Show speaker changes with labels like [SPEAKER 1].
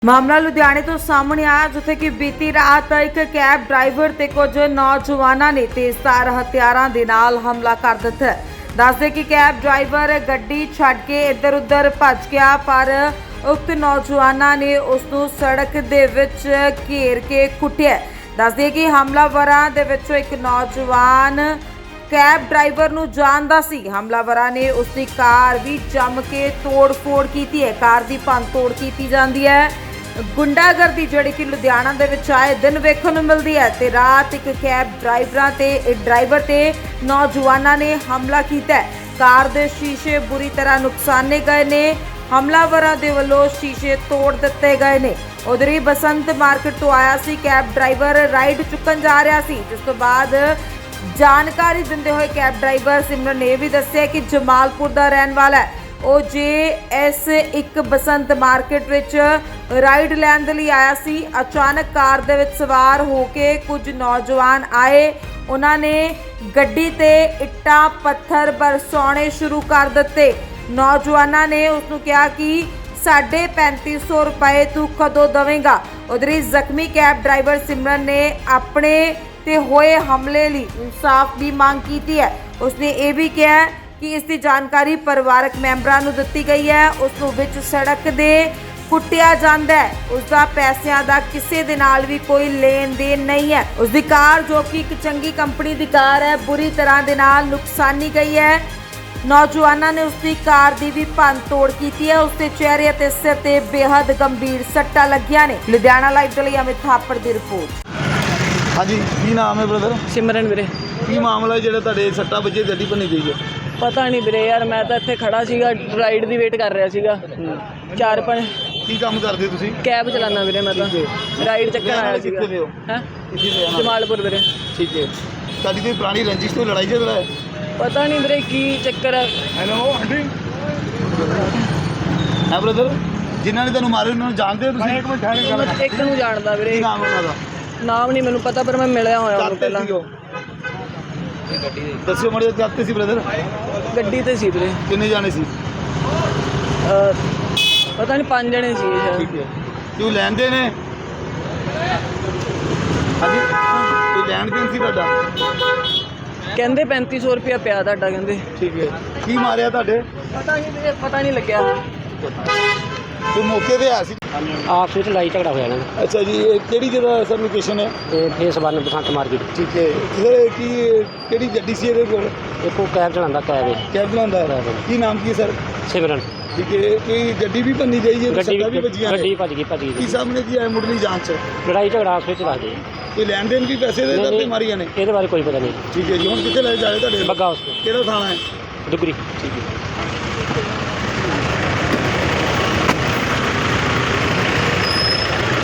[SPEAKER 1] ਮਾਮਲਾ ਲੁਧਿਆਣੇ ਤੋਂ ਸਾਹਮਣੇ ਆਇਆ ਜਿੱਥੇ ਕਿ ਬੀਤੀ ਰਾਤ ਇੱਕ ਕੈਬ ਡਰਾਈਵਰ ਤੇ ਕੁਝ ਨੌਜਵਾਨਾਂ ਨੇ ਤੇਜ਼ਧਾਰ ਹਥਿਆਰਾਂ ਦੇ ਨਾਲ ਹਮਲਾ ਕਰ ਦਿੱਤਾ। ਦੱਸਦੇ ਕਿ ਕੈਬ ਡਰਾਈਵਰ ਗੱਡੀ ਛੱਡ ਕੇ ਇੱਧਰ ਉੱਧਰ ਭੱਜ ਗਿਆ ਪਰ ਉਕਤ ਨੌਜਵਾਨਾਂ ਨੇ ਉਸ ਨੂੰ ਸੜਕ ਦੇ ਵਿੱਚ ਘੇਰ ਕੇ ਕੁੱਟਿਆ। ਦੱਸਦੇ ਕਿ ਹਮਲਾਵਰਾਂ ਦੇ ਵਿੱਚੋਂ ਇੱਕ ਨੌਜਵਾਨ ਕੈਬ ਡਰਾਈਵਰ ਨੂੰ ਜਾਣਦਾ ਸੀ। ਹਮਲਾਵਰਾਂ ਨੇ ਉਸ ਦੀ ਕਾਰ ਵੀ ਜੰਮ ਕੇ ਤੋੜ-ਫੋੜ ਕੀਤੀ ਹੈ। ਕਾਰ ਦੀ ਭੰਨ-ਤੋੜ ਕੀਤੀ ਜਾਂਦੀ ਹੈ। ਗੁੰਡਾਗਰਦੀ ਜਿਹੜੀ ਕਿ ਲੁਧਿਆਣਾ ਦੇ ਵਿੱਚ ਆਏ ਦਿਨ ਵੇਖਣ ਨੂੰ ਮਿਲਦੀ ਹੈ ਤੇ ਰਾਤ ਇੱਕ ਕੈਬ ਡਰਾਈਵਰ ਤੇ ਨੌਜਵਾਨਾਂ ਨੇ ਹਮਲਾ ਕੀਤਾ। ਕਾਰ ਦੇ ਸ਼ੀਸ਼ੇ ਬੁਰੀ ਤਰ੍ਹਾਂ ਨੁਕਸਾਨੇ ਗਏ ਨੇ। ਹਮਲਾਵਰਾਂ ਦੇ ਵੱਲੋਂ ਸ਼ੀਸ਼ੇ ਤੋੜ ਦਿੱਤੇ ਗਏ ਨੇ। ਉਧਰ ਹੀ ਬਸੰਤ ਮਾਰਕੀਟ ਤੋਂ ਆਇਆ ਸੀ ਕੈਬ ਡਰਾਈਵਰ ਰਾਈਡ ਚੁੱਕਣ ਜਾ ਰਿਹਾ ਸੀ, ਜਿਸ ਤੋਂ ਬਾਅਦ ਜਾਣਕਾਰੀ ਦਿੰਦੇ ਹੋਏ ਕੈਬ ਡਰਾਈਵਰ ਸਿਮਰਨ ਨੇ ਵੀ ਦੱਸਿਆ ਕਿ ਜਮਾਲਪੁਰ ਦਾ ਰਹਿਣ ਵਾਲਾ ਹੈ। ਉਹ ਇਸ ਇੱਕ ਬਸੰਤ ਮਾਰਕੀਟ ਵਿੱਚ ਰਾਈਡ ਲੈਣ ਦੇ ਲਈ ਆਇਆ ਸੀ। ਅਚਾਨਕ ਕਾਰ ਦੇ ਵਿੱਚ ਸਵਾਰ ਹੋ ਕੇ ਕੁਝ ਨੌਜਵਾਨ ਆਏ। ਉਹਨਾਂ ਨੇ ਗੱਡੀ ਤੇ ਇੱਟਾਂ ਪੱਥਰ ਬਰਸਾਉਣੇ ਸ਼ੁਰੂ ਕਰ ਦਿੱਤੇ। ਨੌਜਵਾਨਾਂ ਨੇ ਉਸ ਨੂੰ ਕਿਹਾ ਕਿ 3500 ਰੁਪਏ ਤੂੰ ਕਦੋਂ ਦੇਵੇਂਗਾ। ਉਧਰ ਹੀ ਜ਼ਖਮੀ ਕੈਬ ਡਰਾਈਵਰ ਸਿਮਰਨ ਨੇ ਆਪਣੇ ਤੇ ਹੋਏ ਹਮਲੇ ਲਈ ਇਨਸਾਫ ਦੀ ਮੰਗ ਕੀਤੀ ਹੈ। ਉਸਨੇ ਇਹ ਵੀ ਕਿਹਾ ਕਿ ਇਸ ਦੀ ਜਾਣਕਾਰੀ ਪਰਿਵਾਰਕ ਮੈਂਬਰਾਂ ਨੂੰ ਦਿੱਤੀ ਗਈ ਹੈ। ਉਸ ਨੂੰ ਵਿੱਚ ਸੜਕ ਦੇ ਕੁੱਟਿਆ ਜਾਂਦਾ ਹੈ। ਉਸ ਦਾ ਪੈਸਿਆਂ ਦਾ ਕਿਸੇ ਦੇ ਨਾਲ ਵੀ ਕੋਈ ਲੈਣ ਦੇਣ ਨਹੀਂ ਹੈ। ਉਸ ਦੀ ਕਾਰ ਜੋ ਕਿ ਇੱਕ ਚੰਗੀ ਕੰਪਨੀ ਦੀ ਕਾਰ ਹੈ ਬੁਰੀ ਤਰ੍ਹਾਂ ਦੇ ਨਾਲ ਨੁਕਸਾਨੀ ਗਈ ਹੈ। ਨੌਜਵਾਨਾਂ ਨੇ ਉਸ ਦੀ ਕਾਰ ਦੀ ਵੀ ਭੰਨ ਤੋੜ ਕੀਤੀ ਹੈ। ਉਸ ਦੇ ਚਿਹਰੇ ਅਤੇ ਸਿਰ ਤੇ ਬੇहद ਗੰਭੀਰ ਸੱਟਾਂ ਲੱਗੀਆਂ ਨੇ। ਲੁਧਿਆਣਾ ਲਾਈਵ ਦੇ ਲਈ ਅਮਿਤ ਥਾਪੜ ਦੀ ਰਿਪੋਰਟ।
[SPEAKER 2] ਹਾਂਜੀ, ਕੀ ਨਾਮ ਹੈ ਬ੍ਰਦਰ?
[SPEAKER 3] ਸਿਮਰਨ ਵੀਰੇ।
[SPEAKER 2] ਕੀ ਮਾਮਲਾ ਜਿਹੜਾ ਤੁਹਾਡੇ ਸੱਟਾਂ ਵੱਜੇ ਗੱਡੀ ਭੰਨੀ ਗਈ ਹੈ?
[SPEAKER 3] ਪਤਾ ਨਹੀਂ ਵੀਰੇ ਯਾਰ, ਮੈਂ ਤਾਂ ਇੱਥੇ ਖੜਾ ਸੀਗਾ, ਰਾਈਡ ਦੀ ਵੇਟ ਕਰ ਰਿਹਾ ਸੀਗਾ। 4-5
[SPEAKER 2] ਕੀ ਕੰਮ ਕਰਦੇ ਤੁਸੀਂ?
[SPEAKER 3] ਕੈਬ ਚਲਾਉਣਾ ਵੀਰੇ, ਮੈਂ ਤਾਂ ਰਾਈਡ ਚੱਕਣ ਆਇਆ ਸੀਗਾ।
[SPEAKER 2] ਕਿੱਥੇ ਦੇ ਹੋ?
[SPEAKER 3] ਹੈ
[SPEAKER 2] ਕਿੱਥੇ ਦੇ ਆਣਾ?
[SPEAKER 3] ਜਮਾਲਪੁਰ ਵੀਰੇ।
[SPEAKER 2] ਠੀਕ ਹੈ। ਤੁਹਾਡੀ ਕੋਈ ਪੁਰਾਣੀ ਰੰਜਿਸ਼ ਤੋਂ ਲੜਾਈ ਝਗੜਾ ਹੈ?
[SPEAKER 3] ਪਤਾ ਨਹੀਂ ਵੀਰੇ ਕੀ ਚੱਕਰ ਹੈ।
[SPEAKER 2] Hello aunty. ਹੈ ਬ੍ਰਦਰ, ਜਿਨ੍ਹਾਂ ਨੇ ਤੁਹਾਨੂੰ ਮਾਰੇ ਉਹਨਾਂ ਨੂੰ ਜਾਣਦੇ ਹੋ ਤੁਸੀਂ?
[SPEAKER 3] ਮੈਂ ਇੱਕ ਨੂੰ ਜਾਣਦਾ ਵੀਰੇ।
[SPEAKER 2] ਕੀ ਨਾਮ ਉਹਨਾਂ ਦਾ?
[SPEAKER 3] ਨਾਮ ਨਹੀਂ ਮੈਨੂੰ ਪਤਾ ਪਰ ਮੈਂ ਮਿਲਿਆ ਹੋਇਆ ਉਹਨੂੰ
[SPEAKER 2] ਕਾਹਤੇ
[SPEAKER 3] ਪਹਿਲਾਂ।
[SPEAKER 2] ਸੀ ਉਹ? ਦੱਸਿਓ ਮਾੜੇ ਕਾਹਤੇ ਸੀ ਬ੍ਰਦਰ?
[SPEAKER 3] ਗੱਡੀ ਤੇ ਸੀ ਵੀਰੇ।
[SPEAKER 2] ਕਿੰਨੇ ਜਾਣੇ ਸੀ?
[SPEAKER 3] ਪਤਾ ਨਹੀਂ 5 ਜਣੇ ਸੀ ਸ਼ਾਇਦ।
[SPEAKER 2] ਠੀਕ ਹੈ। ਤੂੰ ਲੈਂਦੇ ਨੇ? ਹਾਂਜੀ, ਕੋਈ ਲੈਣ ਦੇਣ ਸੀ ਤੁਹਾਡਾ?
[SPEAKER 3] ਕਹਿੰਦੇ 3500 ਰੁਪਇਆ ਪਿਆ ਤੁਹਾਡਾ, ਕਹਿੰਦੇ।
[SPEAKER 2] ਠੀਕ ਹੈ। ਕੀ ਮਾਰਿਆ ਤੁਹਾਡੇ?
[SPEAKER 3] ਪਤਾ ਨਹੀਂ ਵੀਰੇ, ਪਤਾ ਨਹੀਂ ਲੱਗਿਆ।
[SPEAKER 2] ਤੂੰ ਮੌਕੇ ਤੇ ਆਇਆ ਸੀ?
[SPEAKER 4] ਆਪਸ ਵਿੱਚ ਲੜਾਈ ਝਗੜਾ ਹੋਇਆ ਨਾ।
[SPEAKER 2] ਅੱਛਾ ਜੀ, ਇਹ ਕਿਹੜੀ ਜਗ੍ਹਾ ਸਰ ਲੋਕੇਸ਼ਨ ਹੈ?
[SPEAKER 4] ਤੇ ਫੇਸ 1 ਬਸੰਤ ਮਾਰਕੀਟ।
[SPEAKER 2] ਠੀਕ ਹੈ ਸਰ। ਕਿਹੜੀ ਗੱਡੀ ਸੀ ਇਹਦੇ ਕੋਲ?
[SPEAKER 4] ਇੱਕੋ ਕੈਬ ਚਲਾਉਂਦਾ, ਕੈਬ ਹੈ।
[SPEAKER 2] ਕੈਬ ਚਲਾਉਂਦਾ ਹੈ।
[SPEAKER 4] ਕੈਬ।
[SPEAKER 2] ਕੀ ਨਾਮ ਕੀ ਹੈ ਸਰ?
[SPEAKER 4] ਸਿਮਰਨ।
[SPEAKER 2] ਠੀਕ ਹੈ। ਕੋਈ ਗੱਡੀ ਵੀ ਭੰਨੀ ਗਈ ਹੈ? ਸੱਟਾਂ ਵੀ ਵੱਜੀਆਂ ਨੇ?
[SPEAKER 4] ਗੱਡੀ ਭੱਜ ਗਈ
[SPEAKER 2] ਕੀ ਸਾਹਮਣੇ ਕੀ ਹੈ ਮੁੱਢਲੀ ਜਾਂਚ?
[SPEAKER 4] ਲੜਾਈ ਝਗੜਾ ਆਪਸ ਵਿੱਚ ਦੱਸਦੇ।
[SPEAKER 2] ਕੋਈ ਲੈਣ ਦੇਣ ਵੀ ਪੈਸੇ ਦੇ ਦਿੱਤੇ ਮਾਰੀਆਂ ਨੇ?
[SPEAKER 4] ਇਹਦੇ ਬਾਰੇ ਕੋਈ ਪਤਾ ਨਹੀਂ।
[SPEAKER 2] ਠੀਕ ਹੈ ਜੀ। ਹੁਣ ਕਿੱਥੇ ਲੈ ਜਾਏ ਤੁਹਾਡੇ?
[SPEAKER 4] ਬੱਗਾ ਹਸਪਤਾਲ,
[SPEAKER 2] ਕਿਹੜਾ ਥਾਣਾ ਹੈ?
[SPEAKER 4] ਦੁਗਰੀ।
[SPEAKER 2] ਠੀਕ ਹੈ।